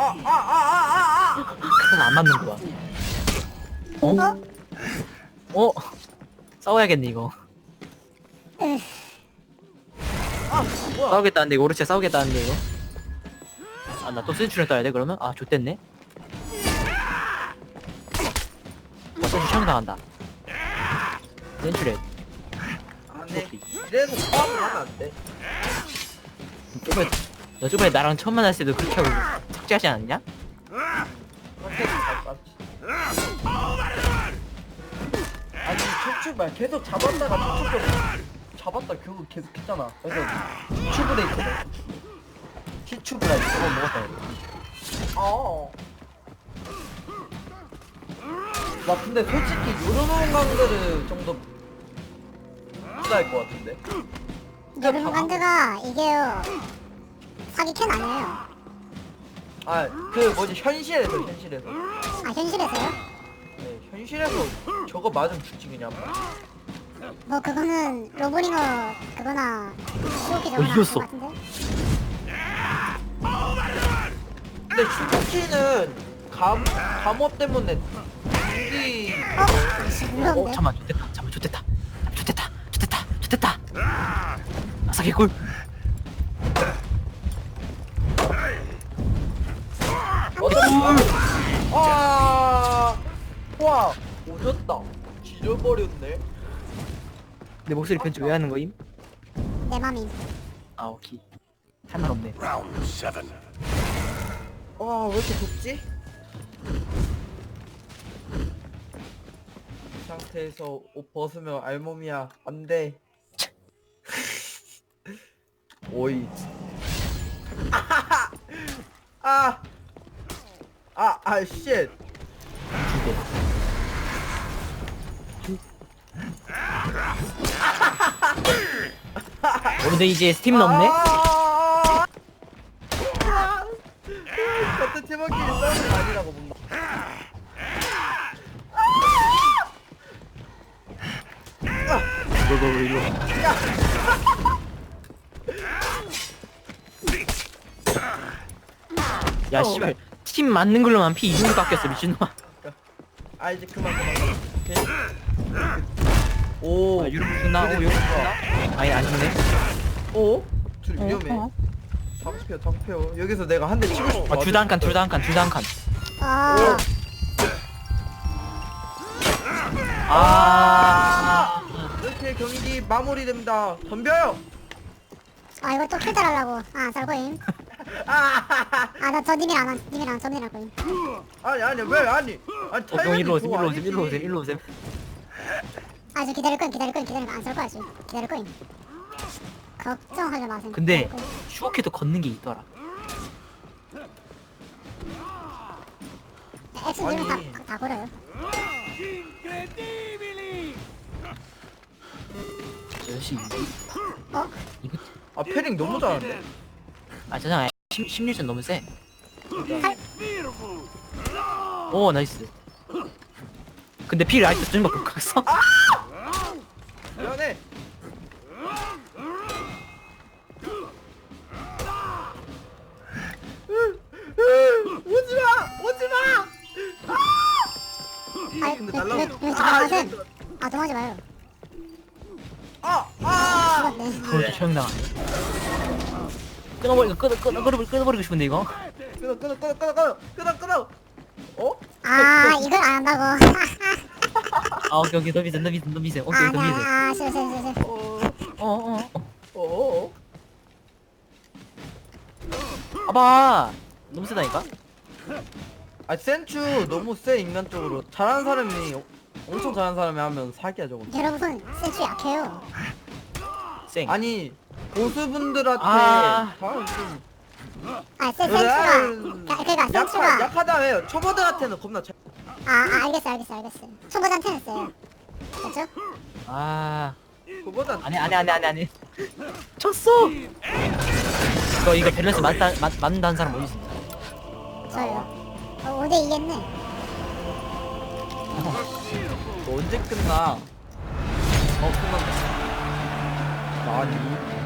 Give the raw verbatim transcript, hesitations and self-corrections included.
아아아아아아 그럼 안 맞는 거야. 어? 어? 싸워야겠네 이거. 아 뭐야 싸우겠다는데 이거 오르체 싸우겠다는데 이거. 아 나 또 센츄리 떠야 돼 그러면? 아 좆됐네. 와 센츄리 처형 당한다. 센츄리. 안돼 이래서 싸움을 하면 안돼 저번에 너 저번에 나랑 처음 만났을 때도 그렇게 하고 삭제하지 않았냐? 컨텐츠 잘 땄지 아니 척추발 계속 잡았다가 척추발 잡았다 결국 계속 했잖아 그래서 튜브레이크 티튜브라이크 저거 먹었다 이거. 어. 나 근데 솔직히 요런 강들을 좀더 부자일 것 같은데. 여름 간드가 이게요 사기 캔 아니에요. 아, 그 뭐지 현실에서 현실에서. 아 현실에서요? 네, 현실에서 저거 맞으면 죽지 그냥. 뭐 그거는 로보링어 그거나 시오키 어, 저거나 이겼어. 그거 같은데? 근데 슈퍼키는 감 감호 때문에 무기. 어? 아씨 어 무서운데? 잠만 좋됐다 잠만 좋됐다 좋됐다 좋됐다 좋됐다 아싸 개꿀. 아, 와, 오졌다. 지져버렸네. 내 목소리 편집 왜 하는 거임? 내 맘임. 아 오케이 할 말 없네. Round seven. 와, 왜 이렇게 덥지? 이 상태에서 옷 벗으면 알몸이야. 안 돼. 오이. 아! 아, 아, 쉣. 어, 근데 이제 스팀은 없네? 아! 같은 팀원끼리 싸우는 거 아니라고 뭔가. 이거 이거 이거 야 씨발 팀 맞는 걸로만 피 이 정도 깎였어 미친놈아. 아, 이제 그만, 그만, 그만. 오케이. 오. 아 유럽 죽나? 오 유럽 죽나? 아니 안 죽네. 오? 둘 위험해. 어, 어. 잡혀, 잡혀. 여기서 내가 한 대 치고 싶어. 아 둘 다 한 칸 둘 다 한 칸 둘 다 한 칸. 아 아. 이렇게 경기 마무리됩니다. 덤벼요. 아 이거 또 킬달 하려고. 아 살고임. 아나 저 님이랑 안 님이랑 저 님이랑 거임. 아니 아니 왜 아니? 아니 어, 형 일로 오셈 일로 오셈 일로 오셈 일로 오셈. 아저 기다릴 거임 기다릴 거임 기다릴 거임 안살 거야 지금. 기다릴 거임. 걱정하지 마세요. 근데 기다릴 거임. 슈어케도 걷는 게 있더라. 액션 들면 아니. 다다 걸어요. 역시 어? 이거 아 패링 너무 잘하는데. 아 저장 심 심리전 너무 세. 팔. 오 나이스. 근데 피 라이트 좀 바꿔 갔어? 미안해. 오지마, 오지마. 아이 근데 왜- 날라오. 왜- 왜 아, 도망가세요? 이거- 아 도망하지 마요. 아, 아. 죽었네. 그걸 또 처형당하네. 끊어버리고 끊어 끊어 끊어 끊어버리고 싶은데 이거. 끊어, 끊어, 끊어, 끊어, 끊어, 끊어, 끊어. 어? 아 이걸 안 한다고. 아 오케이 오케이 더 비세 더 비세 더 비세 오케이 더 비세. 아 싫어 싫어 싫어. 싫어. 어, 어어 어. 어, 어. 봐봐 너무 세다니까. 아 센츄 너무 세 인간적으로 잘하는 사람이 엄청 잘하는 사람이 하면 사기야 저거. 여러분 센스 약해요. 쌩. 아니 고수분들한테 아. 다 좀. 아 센- 그래. 센스가 그- 그러니까 약하, 센스가 약하다 해요. 초보들한테는 겁나 잘. 아, 아 알겠어 알겠어 알겠어. 초보자한테는 세요. 그렇죠? 아 그보다 안해 안해 안해 안해 안해. 쳤어. 이거 이거 밸런스 맞다 맞 맞는다는 사람 어디 있어? 저요. 어, 오 대 이겠네. 언제 끝나? 어 끝난다. 아니